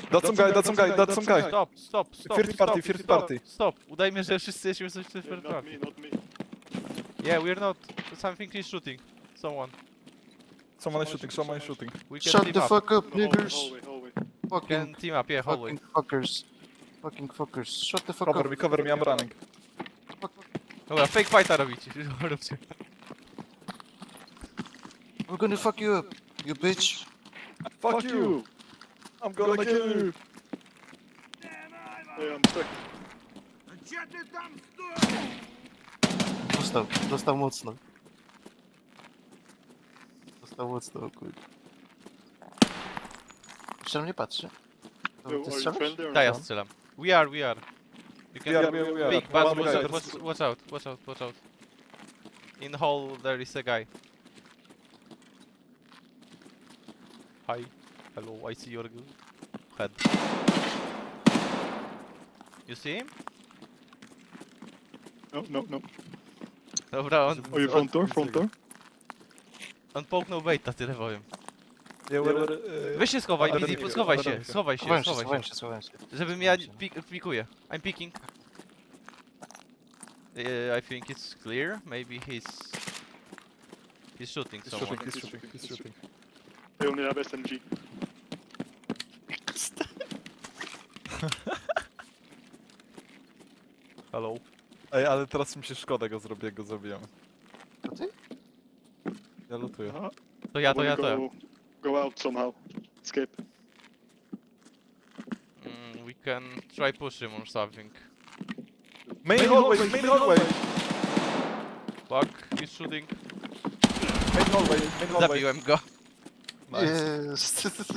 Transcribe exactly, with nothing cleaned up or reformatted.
That's some guy, that's some guy, that's some guy. Stop, stop, stop. First stop, party, first stop, party. Stop. Udajmy, że wszyscy jesteśmy coś w first Not party. me, not me. Yeah, we're not. Something is shooting. Someone. Someone is shooting, someone is shooting. We can Shut team the up. fuck up, Hallway, niggers. hallway, hallway. We Fucking, can team up, yeah, hallway. fucking fuckers. Fucking fuckers. Shut the fuck Cover up. me, cover me, I'm running. Dobra, fake fighta robicie. Róbcie. We're gonna fuck you up, you bitch. Fuck you! I'm gonna kill you! Hey, I'm stuck. Dostał, dostał mocno. Dostał mocno, o kurde. Jeszcze na mnie patrzy. To Oh, ty are you strzelasz? friendly or Da, ja not? strzelam. We are, we are. You can We are, we are, we are. peek, but One watch guy, out, that's- watch, watch out, watch out, watch out. In hall there is a guy. Hi. Hello, I see your g- head. You see him? No, no, no. Dobra, on, Oh, you front door, front door? on połknął baita, tyle powiem. Yeah, we're, uh, Weź się schowaj, Under Bizi, the- schowaj under się, the- schowaj się, Schowałem się, schowaj schowałem się. się, schowałem się. Żebym ja schowałem się. pik pikuję. I'm picking. Uh, I think it's clear. Maybe he's... He's shooting He's someone. shooting, he's shooting, he's shooting. I only have S M G. Hello. Ej, ale teraz mi się szkoda go zrobię, jak go zabijamy. To ty? Ja lutuję. Uh-huh. To ja, to ja, Wanna to ja. go, go out somehow. Escape. Mm, we can try push him or something. Main hallway, main hallway! Fuck, he's shooting. Main hallway, main hallway. Zabiłem go. Nice. Jest.